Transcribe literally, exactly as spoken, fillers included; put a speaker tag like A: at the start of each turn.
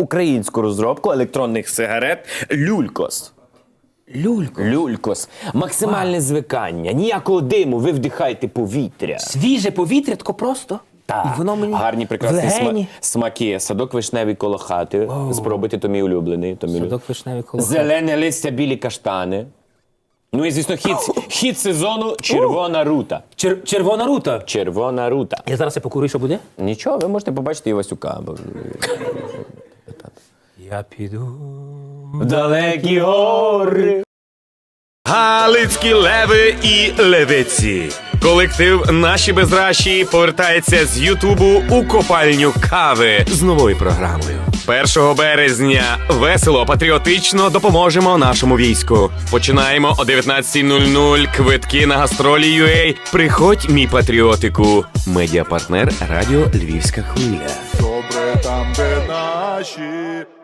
A: українську розробку електронних сигарет «Люлькос».
B: Люлько.
A: «Люлькос». Максимальне звикання. Ніякого диму, ви вдихаєте повітря.
B: Свіже повітря, тако просто.
A: Так.
B: І воно мені
A: Гарні, прекрасні
B: в легені.
A: сма- смаки. Садок вишневий коло хати. Спробуйте, то мій улюблений. То мій улюблений.
B: Садок вишневий коло хати.
A: Зелене листя, білі каштани. Ну і, звісно, хід, хід сезону «Червона рута».
B: Чер- червона рута.
A: «Червона рута».
B: Я зараз я покурю, що буде?
A: Нічого, ви можете побачити і Васюка. бо-
B: Я піду.
A: В далекі гори.
C: Галицькі леви і левиці. Колектив «Наші безращі» повертається з Ютубу у копальню кави з новою програмою. першого березня весело, патріотично допоможемо нашому війську. Починаємо о дев'ятнадцятій нуль нуль. Квитки на гастролі ю ей. Приходь, мій патріотику. Медіапартнер радіо «Львівська хвиля».
D: Добре там, де наші.